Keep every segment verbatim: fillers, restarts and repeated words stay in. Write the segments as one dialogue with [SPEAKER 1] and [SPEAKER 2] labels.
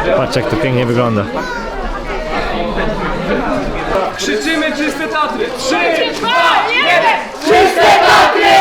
[SPEAKER 1] Patrz, jak to pięknie wygląda.
[SPEAKER 2] Krzyczymy czyste Tatry! Trzy,
[SPEAKER 3] dwa, jeden! Czyste Tatry!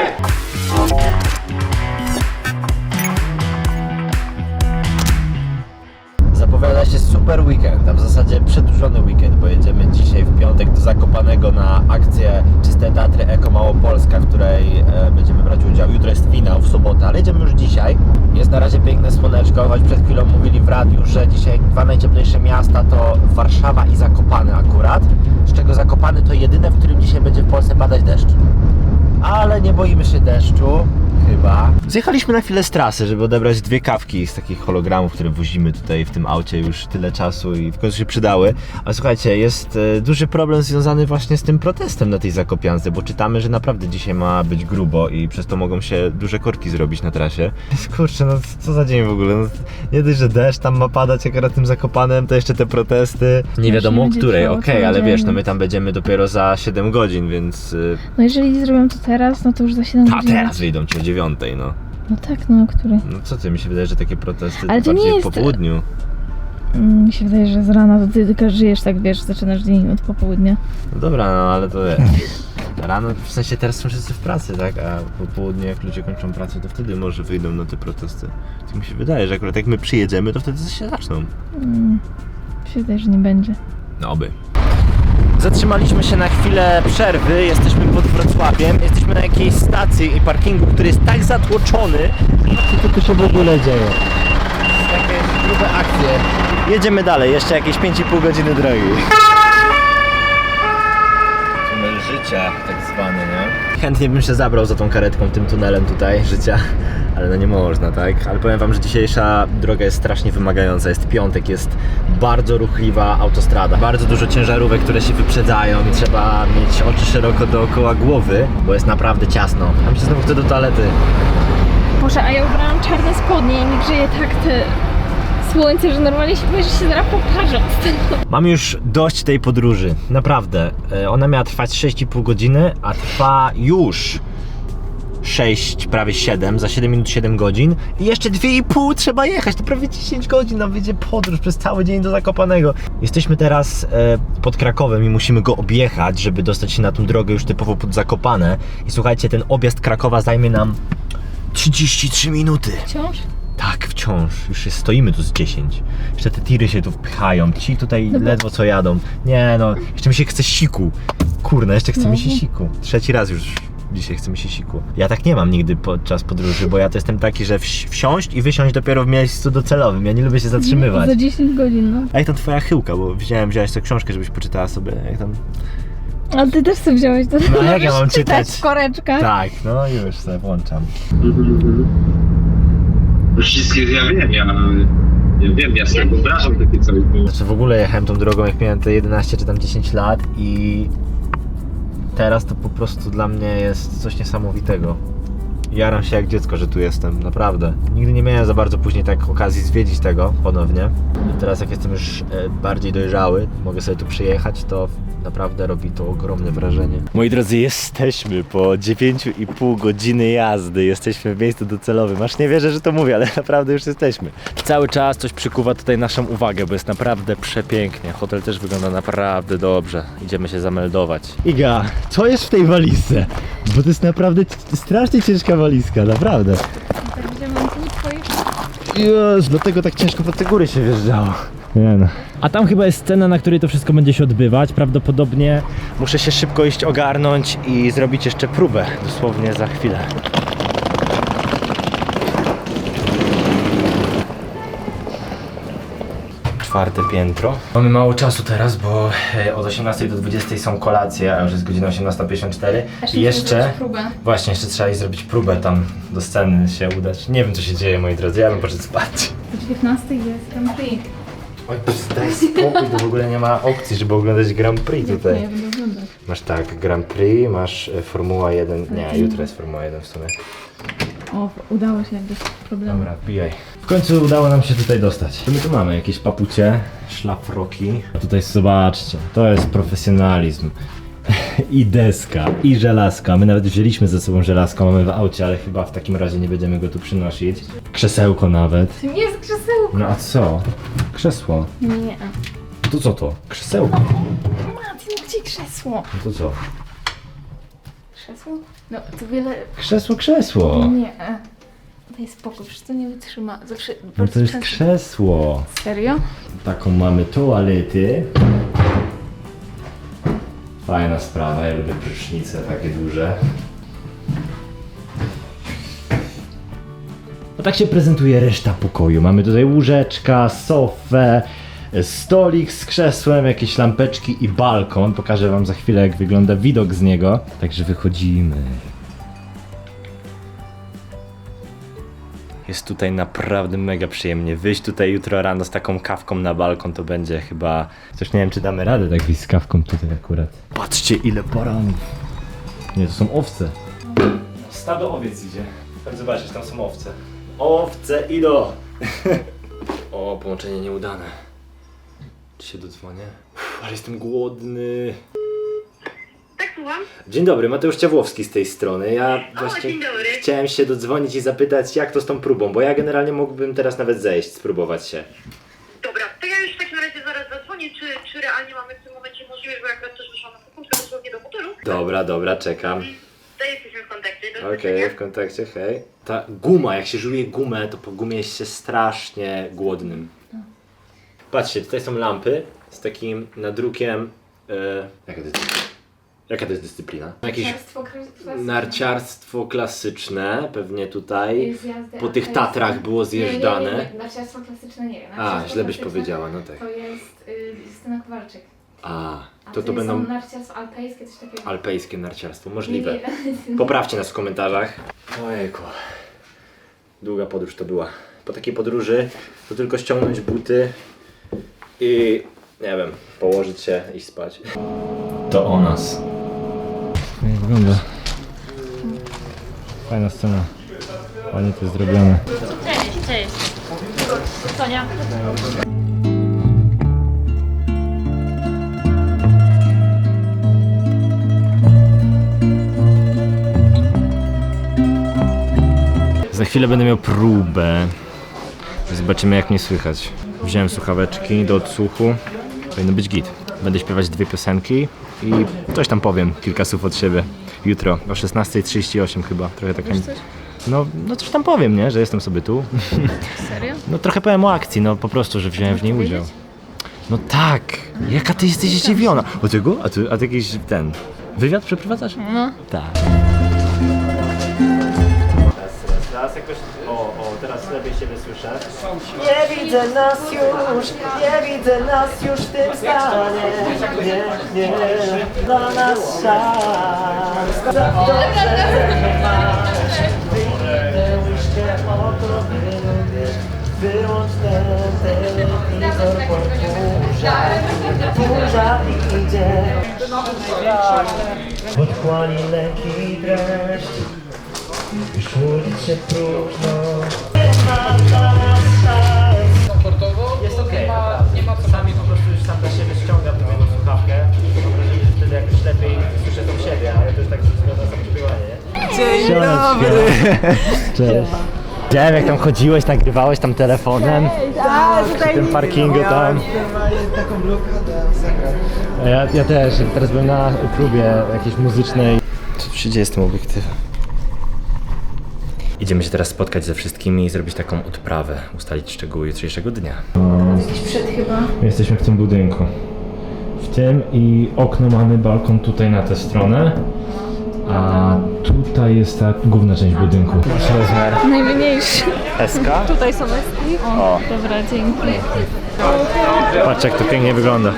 [SPEAKER 1] Zapowiada się super weekend, a w zasadzie przedłużony weekend, bo jedziemy dzisiaj w piątek do Zakopanego na akcję Czyste Tatry Eko Małopolska, w której e, będziemy brać udział. Jutro jest finał, w sobotę, ale jedziemy już dzisiaj. Jest na razie piękne słoneczko, choć przed chwilą mówili w radiu, że dzisiaj dwa najcieplejsze miasta to Warszawa i Zakopane akurat, z czego Zakopany to jedyne, w którym dzisiaj będzie w Polsce padać deszcz. Ale nie boimy się deszczu, chyba. Zjechaliśmy na chwilę z trasy, żeby odebrać dwie kawki z takich hologramów, które wozimy tutaj w tym aucie już tyle czasu i w końcu się przydały. Ale słuchajcie, jest e, duży problem związany właśnie z tym protestem na tej Zakopiance, bo czytamy, że naprawdę dzisiaj ma być grubo i przez to mogą się duże korki zrobić na trasie. Kurczę, no co za dzień w ogóle. No, nie dość, że deszcz tam ma padać akurat tym Zakopanem, to jeszcze te protesty. Nie wiadomo o której, okej, okay, ale wiesz, no my tam będziemy dopiero za siedem godzin, więc... E...
[SPEAKER 3] No jeżeli zrobią to teraz, no to już za siedem
[SPEAKER 1] Ta,
[SPEAKER 3] godzin.
[SPEAKER 1] teraz wyjdą ci o dziewiątej, no.
[SPEAKER 3] No tak, no o której?
[SPEAKER 1] No co ty, mi się wydaje, że takie protesty
[SPEAKER 3] Ale to
[SPEAKER 1] bardziej
[SPEAKER 3] nie jest...
[SPEAKER 1] po południu.
[SPEAKER 3] Mm, mi się wydaje, że z rana to ty tylko żyjesz, tak wiesz, zaczynasz dzień od popołudnia.
[SPEAKER 1] No dobra, no ale to wiesz. Rano, w sensie teraz są wszyscy w pracy, tak? A po południu jak ludzie kończą pracę, to wtedy może wyjdą na te protesty. Tak mi się wydaje, że akurat jak my przyjedziemy, to wtedy się zaczną.
[SPEAKER 3] Mm, mi się wydaje, że nie będzie.
[SPEAKER 1] No oby. Zatrzymaliśmy się na chwilę przerwy, jesteśmy pod Wrocławiem, jesteśmy na jakiejś stacji i parkingu, który jest tak zatłoczony. Co tu się w ogóle dzieje? Jakieś grube akcje. Jedziemy dalej, jeszcze jakieś pięć i pół godziny drogi. Tunel życia tak zwany, nie? Chętnie bym się zabrał za tą karetką, tym tunelem tutaj życia, ale no nie można, tak? Ale powiem wam, że dzisiejsza droga jest strasznie wymagająca. Jest piątek, jest bardzo ruchliwa autostrada. Bardzo dużo ciężarówek, które się wyprzedzają i trzeba mieć oczy szeroko dookoła głowy, bo jest naprawdę ciasno. A mi się znowu chce do toalety.
[SPEAKER 3] Boże, a ja ubrałam czarne spodnie i mi grzeje tak te słońce, że normalnie się boję, że się zaraz pokażę.
[SPEAKER 1] Mam już dość tej podróży, naprawdę. Ona miała trwać sześć i pół godziny, a trwa już sześć, prawie siedem, za siedem minut siedem godzin i jeszcze dwie i pół trzeba jechać, to prawie dziesięć godzin nam wyjdzie podróż przez cały dzień do Zakopanego. Jesteśmy teraz e, pod Krakowem i musimy go objechać, żeby dostać się na tą drogę już typowo pod Zakopane. I słuchajcie, ten objazd Krakowa zajmie nam trzydzieści trzy minuty.
[SPEAKER 3] Wciąż?
[SPEAKER 1] Tak, wciąż. Już jest, stoimy tu z dziesięć. Jeszcze te tiry się tu wpychają. Ci tutaj
[SPEAKER 3] Dobra.
[SPEAKER 1] ledwo co jadą. Nie no, jeszcze mi się chce siku. Kurna, jeszcze chce
[SPEAKER 3] No.
[SPEAKER 1] mi się siku. Trzeci raz już dzisiaj chce mi się siku. Ja tak nie mam nigdy podczas podróży, bo ja to jestem taki, że wsi wsiąść i wysiąść dopiero w miejscu docelowym. Ja nie lubię się zatrzymywać.
[SPEAKER 3] Za dziesięć godzin, no.
[SPEAKER 1] A jak tam twoja chyłka, bo wziąłem, wziąłeś tę książkę, żebyś poczytała sobie, jak tam...
[SPEAKER 3] Ale ty też sobie wziąłeś to.
[SPEAKER 1] No jak ja mam czytać?
[SPEAKER 3] Koreczka.
[SPEAKER 1] Tak, no już sobie włączam.
[SPEAKER 4] Wszystkie ja wiem, ja, ja wiem, ja sobie wyobrażam takie coś.
[SPEAKER 1] Znaczy w ogóle jechałem tą drogą jak miałem te jedenaście czy tam dziesięć lat i teraz to po prostu dla mnie jest coś niesamowitego. Jaram się jak dziecko, że tu jestem, naprawdę. Nigdy nie miałem za bardzo później tak okazji zwiedzić tego ponownie. I teraz jak jestem już bardziej dojrzały, mogę sobie tu przyjechać, to naprawdę robi to ogromne wrażenie. Moi drodzy, jesteśmy po dziewięciu i pół godziny jazdy. Jesteśmy w miejscu docelowym. Aż nie wierzę, że to mówię, ale naprawdę już jesteśmy. Cały czas coś przykuwa tutaj naszą uwagę, bo jest naprawdę przepięknie. Hotel też wygląda naprawdę dobrze. Idziemy się zameldować. Iga, co jest w tej walizce? Bo to jest naprawdę strasznie ciężka walizka, naprawdę.
[SPEAKER 3] Tak, gdzie mam tu twoje...
[SPEAKER 1] Jezu, dlatego tak ciężko pod te góry się wjeżdżało. Nie no. A tam chyba jest scena, na której to wszystko będzie się odbywać. Prawdopodobnie muszę się szybko iść ogarnąć i zrobić jeszcze próbę. Dosłownie za chwilę. Czwarte piętro. Mamy mało czasu teraz, bo od osiemnastej do dwudziestej są kolacje, a już jest godzina osiemnasta pięćdziesiąt cztery. I jeszcze, właśnie, jeszcze trzeba iść zrobić próbę tam do sceny się udać. Nie wiem co się dzieje, moi drodzy, ja bym poszedł spać.
[SPEAKER 3] O dziewiętnastej jest Grand Prix.
[SPEAKER 1] Oj, daj spokój, to w ogóle nie ma opcji, żeby oglądać Grand Prix tutaj.
[SPEAKER 3] Ja będę oglądać.
[SPEAKER 1] Masz tak, Grand Prix, masz e, Formuła jeden, nie, jutro jest Formuła jeden w sumie.
[SPEAKER 3] O, udało się bez problemu.
[SPEAKER 1] Dobra, wbijaj. W końcu udało nam się tutaj dostać. Co my tu mamy? Jakieś papucie, szlafroki. A tutaj zobaczcie, to jest profesjonalizm. I deska, i żelazka. My nawet wzięliśmy ze sobą żelazko, mamy w aucie, ale chyba w takim razie nie będziemy go tu przynosić. Krzesełko nawet.
[SPEAKER 3] To nie jest krzesełko.
[SPEAKER 1] No a co? krzesło.
[SPEAKER 3] Nie.
[SPEAKER 1] To co to? Krzesełko.
[SPEAKER 3] Martin, gdzie krzesło?
[SPEAKER 1] No to co?
[SPEAKER 3] Krzesło? No to wiele...
[SPEAKER 1] Krzesło, krzesło.
[SPEAKER 3] Nie. Daj spokój, przecież to nie wytrzyma. Zawsze...
[SPEAKER 1] No to jest
[SPEAKER 3] często-
[SPEAKER 1] krzesło.
[SPEAKER 3] Serio?
[SPEAKER 1] Taką mamy toalety. Fajna sprawa, ja lubię prysznice takie duże. No tak się prezentuje reszta pokoju. Mamy tutaj łóżeczka, sofę, stolik z krzesłem, jakieś lampeczki i balkon. Pokażę wam za chwilę, jak wygląda widok z niego. Także wychodzimy. Jest tutaj naprawdę mega przyjemnie. Wyjść tutaj jutro rano z taką kawką na balkon to będzie chyba... Coś nie wiem, czy damy radę tak wyjść z kawką tutaj akurat. Patrzcie, ile baranów. Nie, to są owce. Stado owiec idzie. Chodź zobaczyć, tam są owce. Owce idą! O, połączenie nieudane. Czy się dodzwonię? Uff, ale jestem głodny.
[SPEAKER 5] Tak, słucham?
[SPEAKER 1] Dzień dobry, Mateusz Ciawłowski z tej strony. Ja właśnie
[SPEAKER 5] dzień dobry.
[SPEAKER 1] chciałem się dodzwonić i zapytać, jak to z tą próbą, bo ja generalnie mógłbym teraz nawet zejść, spróbować się.
[SPEAKER 5] Dobra, to ja już w takim razie zaraz zadzwonię, czy, czy realnie mamy w tym momencie możliwość, bo akurat też wyszłam na sekundkę dosłownie do hotelu.
[SPEAKER 1] Dobra, dobra, czekam.
[SPEAKER 5] To jesteśmy w kontakcie, do
[SPEAKER 1] Okej,
[SPEAKER 5] zobaczenia.
[SPEAKER 1] w kontakcie, hej. Ta guma, jak się żuje gumę, to po gumie jest się strasznie głodnym. Patrzcie, tutaj są lampy z takim nadrukiem... E, jaka, to jest, jaka to jest dyscyplina? Jakieś
[SPEAKER 3] Narciarstwo klasyczne.
[SPEAKER 1] narciarstwo klasyczne, pewnie tutaj.
[SPEAKER 3] Zjazdy
[SPEAKER 1] Po tych
[SPEAKER 3] alpejskie.
[SPEAKER 1] Tatrach było zjeżdżane.
[SPEAKER 3] Nie, nie, nie, nie. Narciarstwo klasyczne nie wiem.
[SPEAKER 1] A,
[SPEAKER 3] Narciarstwo
[SPEAKER 1] źle byś
[SPEAKER 3] klasyczne
[SPEAKER 1] powiedziała, no tak.
[SPEAKER 3] To jest y, Justyna Kowalczyk.
[SPEAKER 1] A,
[SPEAKER 3] A
[SPEAKER 1] to to
[SPEAKER 3] są
[SPEAKER 1] będą
[SPEAKER 3] narciarstwo alpejskie, coś takiego.
[SPEAKER 1] alpejskie narciarstwo, możliwe.
[SPEAKER 3] Nie, nie.
[SPEAKER 1] Poprawcie nas w komentarzach. Ojejku. Długa podróż to była. Po takiej podróży to tylko ściągnąć buty i nie wiem, położyć się i spać. To o nas. Jak wygląda? Fajna scena. Ładnie to jest zrobione.
[SPEAKER 3] Cześć, cześć. Sonia.
[SPEAKER 1] Za chwilę będę miał próbę. Zobaczymy, jak mnie słychać. Wziąłem słuchaweczki do odsłuchu. Powinno być git. Będę śpiewać dwie piosenki i coś tam powiem, kilka słów od siebie. Jutro o szesnasta trzydzieści osiem chyba. Trochę tak. No, no coś tam powiem, nie? Że jestem sobie tu.
[SPEAKER 3] Serio?
[SPEAKER 1] No trochę powiem o akcji, no po prostu, że wziąłem w niej udział. No tak! Jaka ty jesteś zdziwiona? O tego? A ty, a ty jakiś ten... Wywiad przeprowadzasz?
[SPEAKER 3] No.
[SPEAKER 1] Tak. Teraz jakoś... O, o, teraz lepiej siebie słyszę.
[SPEAKER 6] Nie widzę nas już, nie widzę nas już w tym stanie. Nie, nie, dla nas szans. Za dobrze, że masz. Wyjdę łyżkę o to wylubię. Wyłącz ten telewizor, bo burza, burza idzie. Podchłani leki dreszcz. Już ulic się próżno. Nie ma dla nas szans.
[SPEAKER 2] Komfortowo?
[SPEAKER 1] Jest okej,
[SPEAKER 2] okay, nie ma
[SPEAKER 1] czasami po prostu już sam dla siebie ściągam do tego słuchawkę. Mam wrażenie, że wtedy jakoś lepiej słyszę tą siebie, ale to jest tak wszystko na samo śpiewanie. Dzień dobry! Cześć. Widziałem, jak tam chodziłeś, nagrywałeś tam telefonem. Przy tym parkingu tam.
[SPEAKER 6] Taką blokadę zagrać.
[SPEAKER 1] Ja, ja też, teraz byłem na próbie jakiejś muzycznej. Co tu się dzieje z tym obiektywem? Idziemy się teraz spotkać ze wszystkimi i zrobić taką odprawę, ustalić szczegóły jutrzejszego dnia.
[SPEAKER 3] Jakiś przed chyba.
[SPEAKER 1] Jesteśmy w tym budynku. W tym i okno mamy, balkon tutaj na tę stronę. A tutaj jest ta główna część budynku. Masz rozmiar
[SPEAKER 3] Najmniejszy.
[SPEAKER 1] S K?
[SPEAKER 3] Tutaj są eski. O, dobra, dzięki.
[SPEAKER 1] Patrz, jak to pięknie wygląda.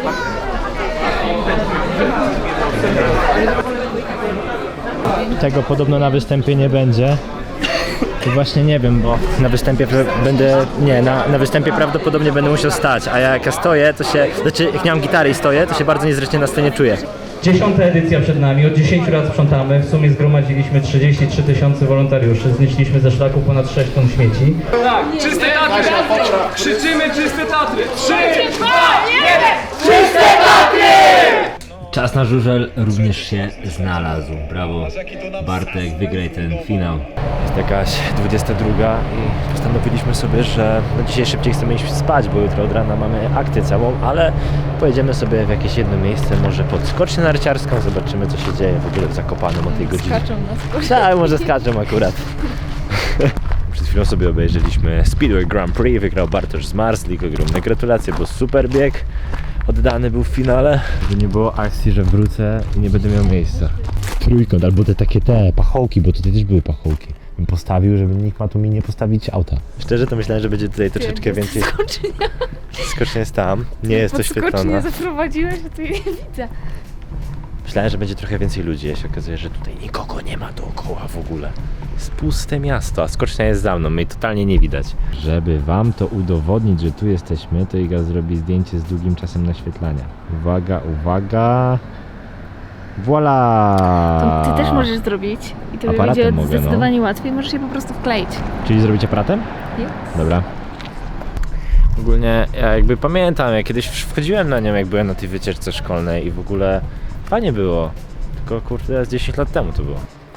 [SPEAKER 1] Tego podobno na występie nie będzie. I właśnie nie wiem, bo na występie pra- będę, nie, na, na występie prawdopodobnie będę musiał stać, a jak ja stoję, to się, znaczy jak nie mam gitary i stoję, to się bardzo niezręcznie na scenie czuję.
[SPEAKER 7] Dziesiąta edycja przed nami, od dziesięciu lat sprzątamy, w sumie zgromadziliśmy trzydzieści trzy tysiące wolontariuszy, znieśliśmy ze szlaku ponad sześć ton śmieci.
[SPEAKER 2] Tak, czyste Tatry! Krzyczymy czyste Tatry! Trzy, dwa, jeden! Czyste Tatry!
[SPEAKER 1] Czas na żużel również się znalazł. Brawo, Bartek, wygraj ten finał. Jest jakaś dwudziesta druga i postanowiliśmy sobie, że no dzisiaj szybciej chcemy iść spać, bo jutro od rana mamy akcję całą, ale pojedziemy sobie w jakieś jedno miejsce, może pod skocznię narciarską, zobaczymy co się dzieje w ogóle w Zakopanem o tej godzinie.
[SPEAKER 3] Skaczą na skocznie.
[SPEAKER 1] Tak, może skaczą akurat. Przed chwilą sobie obejrzeliśmy Speedway Grand Prix, wygrał Bartosz z Marslik, ogromne gratulacje, bo super bieg oddany był w finale. Żeby nie było akcji, że wrócę i nie będę miał miejsca. Trójkąt, albo te takie te pachołki, bo tutaj też były pachołki. Bym postawił, żeby nikt ma tu mi nie postawić auta. Szczerze to myślałem, że będzie tutaj troszeczkę więcej.
[SPEAKER 3] Skocznia.
[SPEAKER 1] Skocznia jest tam, nie jest
[SPEAKER 3] Pod
[SPEAKER 1] oświetlona.
[SPEAKER 3] skocznię zaprowadziłeś, a tu jej nie widzę.
[SPEAKER 1] Myślałem, że będzie trochę więcej ludzi, a się okazuje, że tutaj nikogo nie ma dookoła w ogóle. Jest puste miasto, a skocznia jest za mną, mnie tutaj nie widać. Żeby wam to udowodnić, że tu jesteśmy, to Iga zrobi zdjęcie z długim czasem naświetlania. Uwaga, uwaga. Voila!
[SPEAKER 3] To ty też możesz zrobić i to
[SPEAKER 1] Aparatem
[SPEAKER 3] będzie
[SPEAKER 1] mogę,
[SPEAKER 3] zdecydowanie łatwiej, możesz je po prostu wkleić.
[SPEAKER 1] Czyli zrobić aparatem?
[SPEAKER 3] Nie?
[SPEAKER 1] Dobra. Ogólnie ja jakby pamiętam, jak kiedyś wchodziłem na nią, jak byłem na tej wycieczce szkolnej i w ogóle fajnie było. Tylko kurde, z dziesięć lat temu to było.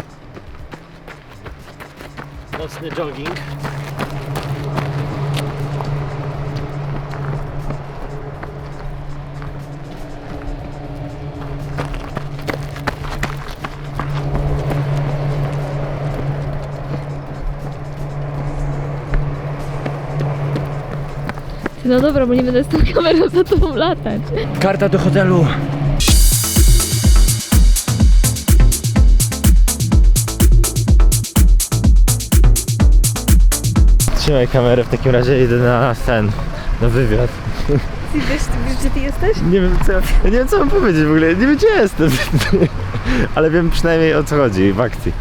[SPEAKER 1] Nocny jogging.
[SPEAKER 3] No dobra, bo nie będę z tą kamerą za tobą latać.
[SPEAKER 1] Karta do hotelu. Trzymaj kamerę, w takim razie idę na ten, na wywiad.
[SPEAKER 3] Ty wiesz, ty wiesz, gdzie ty jesteś?
[SPEAKER 1] Nie wiem co, ja nie wiem co mam powiedzieć w ogóle, nie wiem gdzie jestem. Ale wiem przynajmniej o co chodzi w akcji.